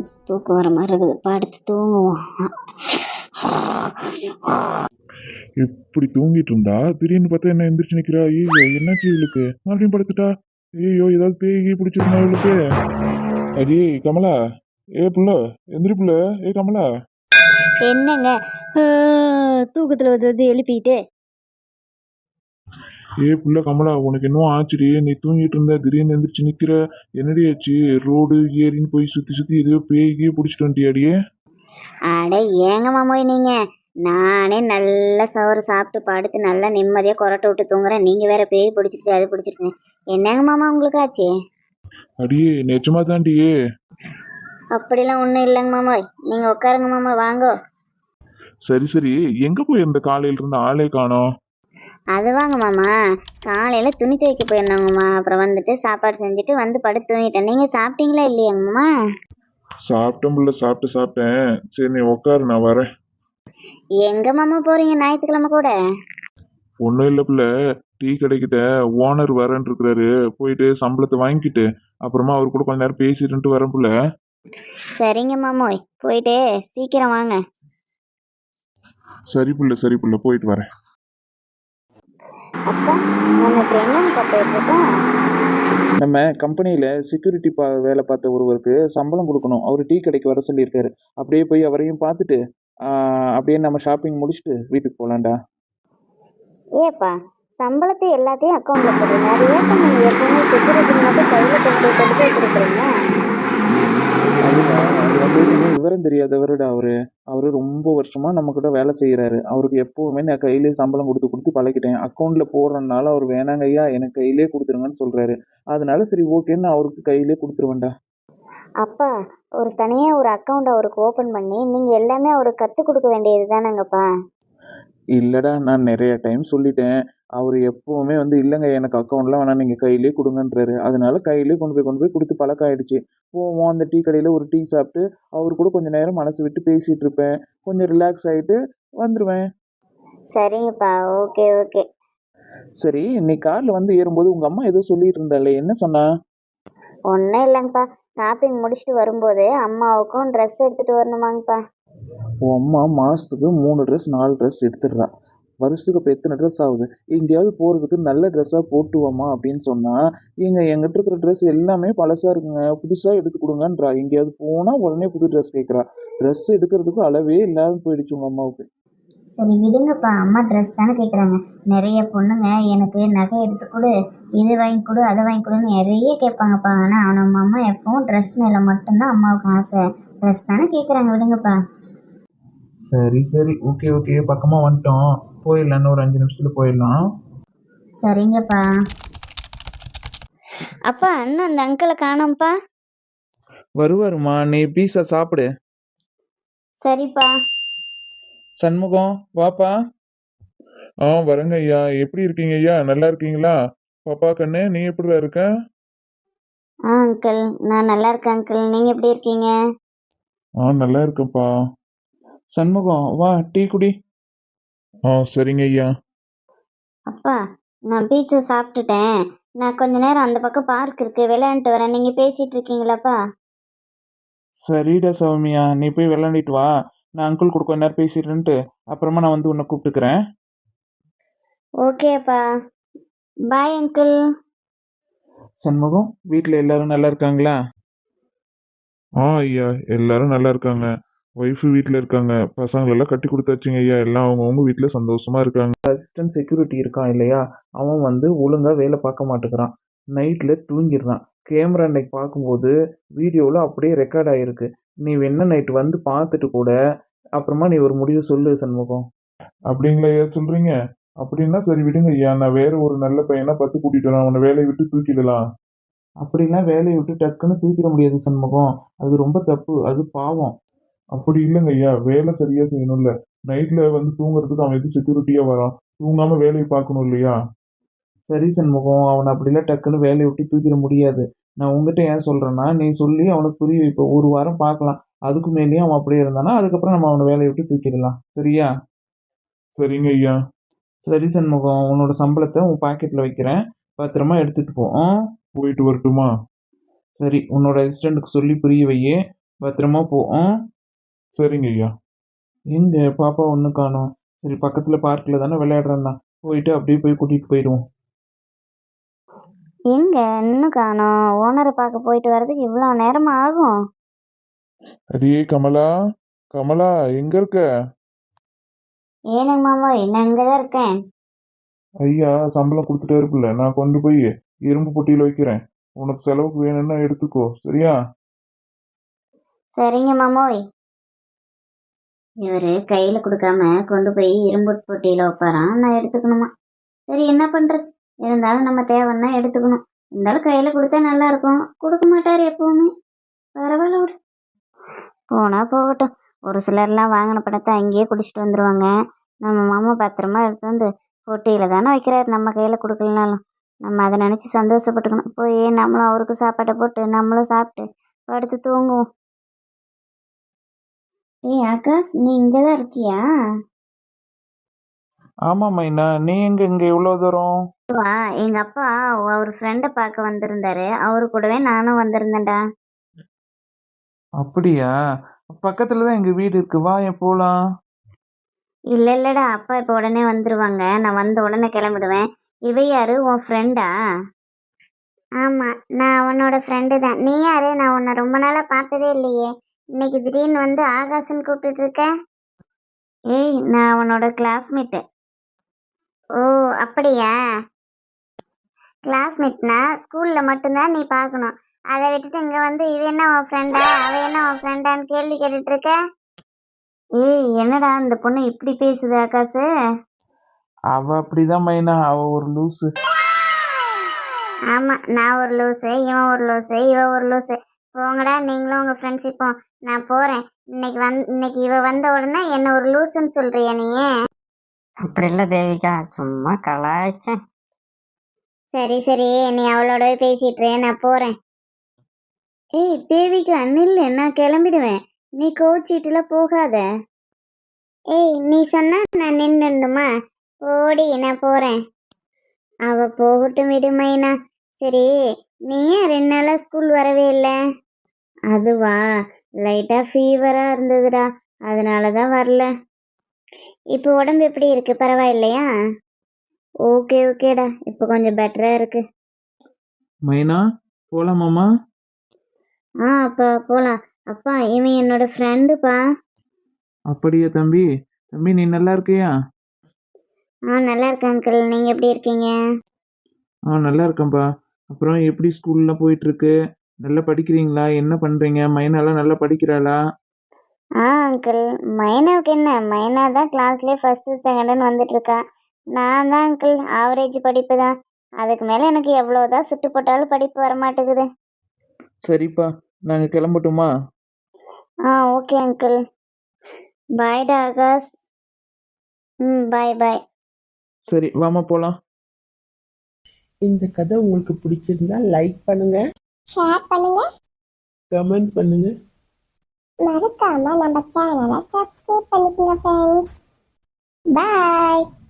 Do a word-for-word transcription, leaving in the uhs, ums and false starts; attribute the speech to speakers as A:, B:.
A: தூக்கம் வர மாதிரி இருக்குது, படுத்து தூங்குவோம்.
B: இப்படி தூங்கிட்டு இருந்தா திடீர்னு பார்த்தா என்ன எந்திரிச்சு நிக்கிறா? ஐயோ என்னாச்சு இவளுக்கு? மறுபடியும் படுத்துட்டா. ஐயோ ஏதாவது பேய் பிடிச்சிருந்தா இவளுக்கு? அடி கமலா, ஏ புள்ள, எந்திரி புள்ள, ஏ கமலா.
A: என்னங்க தூக்கத்தில் வந்து வந்து எழுப்பிட்டு?
B: ஏ புள்ள கமலா, உனக்கு என்னவோ ஆச்சுடி? நீ தூங்கிட்டு இருந்த, திடீர்னு எந்திரிச்சு நிக்கிற. என்னடி ஆச்சு? ரோடு ஏரின்னு போய் சுத்தி சுத்தி எதையோ பேய்கே பிடிச்சிட்டு வந்துட்டியாடியே?
A: அட ஏங்க மாமோய் நீங்க, நானே நல்லா சோறு சாப்பிட்டு படுத்து நல்லா நிம்மதியாக கொரட்டை விட்டு தூங்குறேன், நீங்கள் வேற பேய் பிடிச்சிருச்சு அது பிடிச்சிருக்குங்க. என்னங்க மாமா உங்களுக்கு ஆச்சு?
B: அடியே நிஜமா தாண்டியே.
A: அப்படிலாம் ஒன்றும் இல்லைங்க மாமோய், நீங்கள் உட்காருங்க மாமா, வாங்கோ.
B: சரி சரி, எங்க போய் இருந்த காலையில இருந்து ஆளே காணோம்?
A: அது வாங்க மாமா, காலையில் துணி துவைக்க போயிருந்தோங்கம்மா, அப்புறம் வந்துட்டு சாப்பாடு செஞ்சுட்டு வந்து படுத்து தூங்கிட்டேன். நீங்கள் சாப்பிட்டீங்களா இல்லையாங்கம்மா?
B: சாப்பிட்டேன் புள்ள, சாப்பிட்டு சாப்பிட்டேன். சரி நீ உட்காரு, நான் வரேன்.
A: எங்க மாமா போறீங்க ஞாயிற்றுக்கிழமை கூட?
B: ஒன்றும் இல்லை புள்ள, டீ கடைக்கிட்ட ஓனர் வரேன் இருக்கிறாரு. போயிட்டு சம்பளத்தை வாங்கிக்கிட்டு அப்புறமா அவர் கூட கொஞ்ச நேரம் பேசிட்டு வரேன் புள்ள.
A: சரிங்க மாமோய், போயிட்டு சீக்கிரம் வாங்க.
B: சரி புள்ள, சரி புள்ள, போயிட்டு வரேன்.
A: அப்பா நம்ம இப்போ என்னன்னு போயிட்டு இருக்கோம்?
C: நம்ம கம்பெனியில் செக்யூரிட்டி பா வேலை பார்த்த ஒருவருக்கு சம்பளம் கொடுக்கணும். அவர் டீ கடைக்கு வர சொல்லியிருக்காரு. அப்படியே போய் அவரையும் பார்த்துட்டு ஆஹ், அப்படியே நம்ம ஷாப்பிங் முடிச்சுட்டு வீட்டுக்கு போகலான்டா.
A: ஏப்பா சம்பளத்தை எல்லாத்தையும் அக்கௌண்ட்ல போடுறீங்க, அது ஏப்பா நீங்க எப்பவுமே செக்யூரிட்டி மட்டும் கையில கொண்டு போய் கொண்டு போய் கொடுக்குறீங்க?
C: அதுதான், அது வந்து இன்னும் விவரம் தெரியாதவருடா அவரு. அவரு ரொம்ப வருஷமா நம்ம கிட்ட வேலை செய்யறாரு. அவருக்கு எப்பவுமே நான் கையிலேயே சம்பளம் கொடுத்து கொடுத்து பழகிட்டேன். அக்கௌண்ட்ல போடுறதுனால அவர் வேணாங்க ஐயா, எனக்கு கையிலேயே கொடுத்துருங்கன்னு சொல்றாரு. அதனால சரி ஓகேன்னு நான் அவருக்கு கையிலேயே கொடுத்துருவேன்டா.
A: அப்பா ஒரு தனியா ஒரு அக்கௌண்ட் அவருக்கு ஓபன் பண்ணி நீங்க எல்லாமே அவருக்கு கத்து கொடுக்க வேண்டியது தானேங்கப்பா?
C: இல்லடா, நான் நிறைய டைம் சொல்லிட்டேன். அவரு எப்பவுமே வந்து இல்லைங்க எனக்கு அக்கௌண்ட்லாம் வேணாம், நீங்க கையிலேயே கொடுங்கன்றாரு. அதனால கையிலேயே கொண்டு போய் கொண்டு போய் கொடுத்து பழக்கம் ஆயிடுச்சு. போவோம் அந்த டீ கடையில ஒரு டீ சாப்பிட்டு அவரு கூட கொஞ்ச நேரம் மனசு விட்டு பேசிட்டு இருப்பேன். கொஞ்சம் ரிலாக்ஸ் ஆயிட்டு வந்துருவேன்.
A: சரிங்கப்பா, ஓகே ஓகே.
C: சரி, நீ கார்ல வந்து ஏறும்போது உங்க அம்மா ஏதோ சொல்லிட்டு இருந்தாளே, என்ன சொன்னா?
A: ஒன்றும் இல்லைங்கப்பா, ஷாப்பிங் முடிச்சுட்டு வரும்போது அம்மாவுக்கும் ட்ரெஸ் எடுத்துட்டு வரணுமாங்கப்பா.
C: உன் அம்மா மாசத்துக்கு மூணு ட்ரெஸ் நாலு ட்ரெஸ் எடுத்துடுறா. வருஷத்துக்கு இப்போ எத்தனை ட்ரெஸ் ஆகுது? எங்கேயாவது போறதுக்கு நல்ல ட்ரெஸ்ஸாக போட்டு வாமா அப்படின்னு சொன்னா, ஏங்க எங்கிட்ட இருக்கிற ட்ரெஸ் எல்லாமே பழசா இருக்குங்க, புதுசா எடுத்து கொடுங்கன்றா. எங்கேயாவது போனா உடனே புது ட்ரெஸ் கேட்குறா. ட்ரெஸ் எடுக்கிறதுக்கு அளவே இல்லாத போயிடுச்சு உங்க அம்மாவுக்கு.
A: சரி விடுங்கப்பா, அம்மா ட்ரெஸ் தானே கேட்குறாங்க. நிறைய பொண்ணுங்க எனக்கு நகை எடுத்து கொடு, இது வாங்கி கொடு, அதை வாங்கி கொடுன்னு நிறைய கேட்பாங்கப்பா. ஆனால் நம்ம அம்மா எப்பவும் ட்ரெஸ் மேலே மட்டும்தான் அம்மாவுக்கு ஆசை. ட்ரெஸ் தானே கேட்குறாங்க, விடுங்கப்பா.
C: சரி சரி, ஓகே ஓகே, பக்கமா வந்துட்டோம். போயிடலாம், இன்னும் ஒரு அஞ்சு நிமிஷத்துல போயிடலாம்.
A: சரிங்கப்பா. அப்பா இன்னும் அந்த அங்கிளை காணோம்ப்பா.
C: வருவாருமா, நீ பீஸா சாப்பிடு.
A: சரிப்பா.
C: சண்முகம் வாப்பா.
B: ஆ வரேங்க ஐயா. எப்படி இருக்கீங்க ஐயா? நல்லா இருக்கீங்களா? பாப்பா கண்ணு, நீ எப்படி இருக்க?
A: ஆ அங்கிள், நான் நல்லா இருக்கேன் அங்கிள், நீங்கள் எப்படி இருக்கீங்க?
B: ஆ நல்லா இருக்கேன்ப்பா.
C: சண்முகம் வா, டீ குடி.
B: ஆ சரிங்க ஐயா.
A: அப்பா நான் பீச்சை சாப்பிட்டுட்டேன், நான் கொஞ்ச நேரம் அந்த பக்கம் பார்க் இருக்கு விளையாண்டுட்டு வரேன், நீங்கள் பேசிட்டு இருக்கீங்களாப்பா?
C: சரிடா சௌமியா, நீ போய் விளையாண்டிட்டு வா. நான் அங்கிள் கூட கொஞ்ச நேரம் பேசிடுறேன்ட்டு அப்புறமா நான் வந்து உன்னை கூப்பிட்டுக்கிறேன்.
A: ஓகேப்பா, பாய் அங்கிள்.
C: சண்முகம், வீட்டில் எல்லாரும் நல்லா இருக்காங்களா?
B: ஆ ஐயா, எல்லாரும் நல்லா இருக்காங்க. ஒய்ஃபு வீட்டில் இருக்காங்க. பசங்களெல்லாம் கட்டி கொடுத்தாச்சுங்க ஐயா. எல்லாம் அவங்கவுங்க வீட்டில் சந்தோஷமா இருக்காங்க.
C: அசிஸ்டன்ட் செக்யூரிட்டி இருக்கான் இல்லையா, அவன் வந்து ஒழுங்கா வேலை பார்க்க மாட்டேங்கிறான். நைட்டில் தூங்கிடுறான். கேமரா இன்னைக்கு பார்க்கும்போது வீடியோவில் அப்படியே ரெக்கார்ட் ஆகிருக்கு. நீ வேணா நைட்டு வந்து பார்த்துட்டு கூட அப்புறமா நீ ஒரு முடிவு சொல்லு சண்முகம்.
B: அப்படிங்களா ஐயா சொல்றீங்க? அப்படின்னா சரி விடுங்க ஐயா. நான் வேற ஒரு நல்ல பையனா பார்த்து கூட்டிட்டு வரேன். அவனை வேலையை விட்டு தூக்கிடலாம்.
C: அப்படிலாம் வேலையை விட்டு டக்குன்னு தூக்கிட முடியாது சண்முகம். அது ரொம்ப தப்பு, அது பாவம்.
B: அப்படி இல்லைங்க ஐயா. வேலை சரியா செய்யணும்ல. நைட்ல வந்து தூங்குறதுக்கு அவன் எது செக்யூரிட்டியா வரான்? தூங்காம வேலையை பார்க்கணும் இல்லையா?
C: சரி சண்முகம், அவனை அப்படிலாம் டக்குன்னு வேலையை விட்டு தூக்கிட முடியாது. நான் உங்ககிட்ட ஏன் சொல்றேன்னா, நீ சொல்லி அவனுக்கு புரிய வைப்ப. ஒரு வாரம் பார்க்கலாம். அதுக்கு மேலேயும் அவன் அப்படியே இருந்தானா அதுக்கப்புறம் நம்ம அவனை வேலையை விட்டு தூக்கிடலாம். சரியா?
B: சரிங்க ஐயா.
C: சரி சண்முகம், உன்னோட சம்பளத்தை உன் பாக்கெட்ல வைக்கிறேன். பத்திரமா எடுத்துட்டு போ. ஆ?
B: போயிட்டு வரட்டுமா?
C: சரி, உன்னோட அசிஸ்டண்ட்டுக்கு சொல்லி புரிய வையே. பத்திரமா போ ஆ?
B: சரிங்க ஐயா.
C: எங்க பாப்பா ஒன்றும் காணோம். சரி பக்கத்தில் பார்க்கில் தானே விளையாடுறேன்னா போயிட்டு அப்படியே போய் கூட்டிகிட்டு போயிடுவோம்.
A: எங்க இன்னும் காணோம்? ஓனரை பார்க்க போயிட்டு வர்றதுக்கு இவ்வளோ நேரமா ஆகும்?
B: அடியே கமலா, கமலா எங்க இருக்க?
A: ஏனுங்க மாமா, என்ன இங்கே தான் இருக்கேன்.
B: ஐயா சம்பளம் கொடுத்துட்டே இருக்குல்ல, நான் கொண்டு போய் இரும்பு பொட்டியில் வைக்கிறேன். உனக்கு செலவுக்கு வேணும்னா எடுத்துக்கோ, சரியா?
A: சரிங்க மாமோய். இவர் கையில் கொடுக்காம கொண்டு போய் இரும்பு பொட்டியில் வைப்பாராம், நான் எடுத்துக்கணுமா? சரி என்ன பண்ணுறது, இருந்தாலும் நம்ம தேவைன்னா எடுத்துக்கணும். இருந்தாலும் கையில் கொடுத்தா நல்லா இருக்கும். கொடுக்க மாட்டார் எப்பவுமே. பரவாயில்ல விடு, போனா போகட்டும். ஒரு சிலர்லாம் வாங்கின பணத்தை அங்கேயே குடிச்சிட்டு வந்துடுவாங்க. நம்ம மாமா பத்திரமா எடுத்து வந்து பொட்டியில் தானே வைக்கிறாரு, நம்ம கையில் கொடுக்கலனாலும். நம்ம அதை நினச்சி சந்தோஷப்பட்டுக்கணும். போய் நம்மளும் அவருக்கு சாப்பாட்டை போட்டு நம்மளும் சாப்பிட்டு படுத்து தூங்குவோம். ஏய் ஆகாஷ், நீ இங்கே தான் இருக்கியா?
C: ஆமாம் மைனா, நீ எங்க இங்கே இவ்வளோ தூரம்?
A: வா, எங்கள் அப்பா அவர் ஃப்ரெண்டை பார்க்க வந்திருந்தாரு, அவரு கூடவே நானும் வந்திருந்தேன்டா.
C: அப்படியா? பக்கத்தில் தான் எங்கள் வீடு இருக்கு, வா என் போகலாம்.
A: இல்லை இல்லைடா, அப்பா இப்போ உடனே வந்துடுவாங்க. நான் வந்த உடனே கிளம்பிடுவேன். இவ யாரு, உன் ஃப்ரெண்டா? ஆமாம், நான் உன்னோட ஃப்ரெண்டு தான். நீ யாரு? நான் உன்னை ரொம்ப நாளாக பார்த்ததே இல்லையே. இன்னைக்கு திடீர்னு வந்து ஆகாஷ்னு கூப்பிட்டுட்டு இருக்க. ஏய், நான் உன்னோட கிளாஸ்மேட்டு. ஓ அப்படியா? கிளாஸ்மேட்னா ஸ்கூலில் மட்டும்தான் நீ பார்க்கணும். அதை விட்டுட்டு இங்கே வந்து இது என்ன உன் ஃப்ரெண்டா, அவ என்ன உன் ஃப்ரெண்டான்னு கேள்வி கேட்டுட்டு இருக்க. ஏய் என்னடா இந்த பொண்ணு இப்படி பேசுது ஆகாசு?
C: அவ அப்படிதான் மைனா, அவ ஒரு லூசு.
A: ஆமாம், நான் ஒரு லூஸு, இவன் ஒரு லூஸு, இவ ஒரு லூஸு. போங்கடா நீங்களும் உங்கள் ஃப்ரெண்ட்ஷிப்பும். நான் போகிறேன். இன்னைக்கு வந் இன்னைக்கு இவ வந்த உடனே என்ன ஒரு லூசுன்னு சொல்கிறியா நீ?
D: அப்படி இல்லை தேவிகா, சும்மா கலாய்ச்சேன்.
A: சரி சரி, நீ அவளோட பேசிட்டு நான் போகிறேன். ஏய் தேவிக்கு நில்லு, நான் கிளம்பிடுவேன். நீ கோச்சிட்டுல போகாத. ஏய் நீ சொன்னா நான் நின்றுமா? ஓடி, நான் போகிறேன். அவ போகட்டும் விடுமைனா. சரி, நீ ஏன் ரெண்டு நாளா ஸ்கூல் வரவே இல்லை? அதுவா, லைட்டாக ஃபீவராக இருந்ததுடா, அதனால தான் வரல. இப்போ உடம்பு எப்படி இருக்கு, பரவாயில்லையா? ஓகே ஓகேடா, இப்போ கொஞ்சம் பெட்டராக இருக்கு.
C: மைனா போகலாமாம்மா?
A: ஆ அப்பா போகலாம். அப்பா இவன் என்னோட ஃப்ரெண்டுப்பா.
C: அப்படியா தம்பி? தம்பி நீ நல்லா இருக்கியா?
A: ஆ நல்லா இருக்கேன் அங்கிள், நீங்கள் எப்படி இருக்கீங்க?
C: ஆ நல்லா இருக்கேன்ப்பா. அப்புறம் எப்படி ஸ்கூல்லாம் போயிட்டு இருக்கு? நல்லா படிக்கிறீங்களா? என்ன பண்றீங்க? மைனாலாம் நல்லா படிக்கிறாளா?
A: ஆ அங்கிள், மைனாவுக்கு என்ன, மைனா தான் கிளாஸ்லேயே ஃபஸ்ட்டு செகண்டுன்னு வந்துட்டு இருக்கா. நான் தான் அங்கிள் ஆவரேஜ் படிப்பு தான். அதுக்கு மேலே எனக்கு எவ்வளோதான் சுட்டு போட்டாலும் படிப்பு வர மாட்டேங்குது.
C: சரிப்பா, நாங்கள் கிளம்பட்டுமா?
A: ஆ ஓகே அங்கிள். பாய்டா ஆகாஷ். ம் பாய் பாய்.
C: சரி வாமா போகலாம்.
E: இந்த கதை உங்களுக்கு பிடிச்சிருந்தா லைக் பண்ணுங்க,
F: ஷேர் பண்ணுங்க,
E: கமெண்ட் பண்ணுங்க.
F: மறக்காம நம்ம சேனலை சப்ஸ்கிரைப் பண்ணிக்கோங்க ஃப்ரெண்ட்ஸ். பாய்.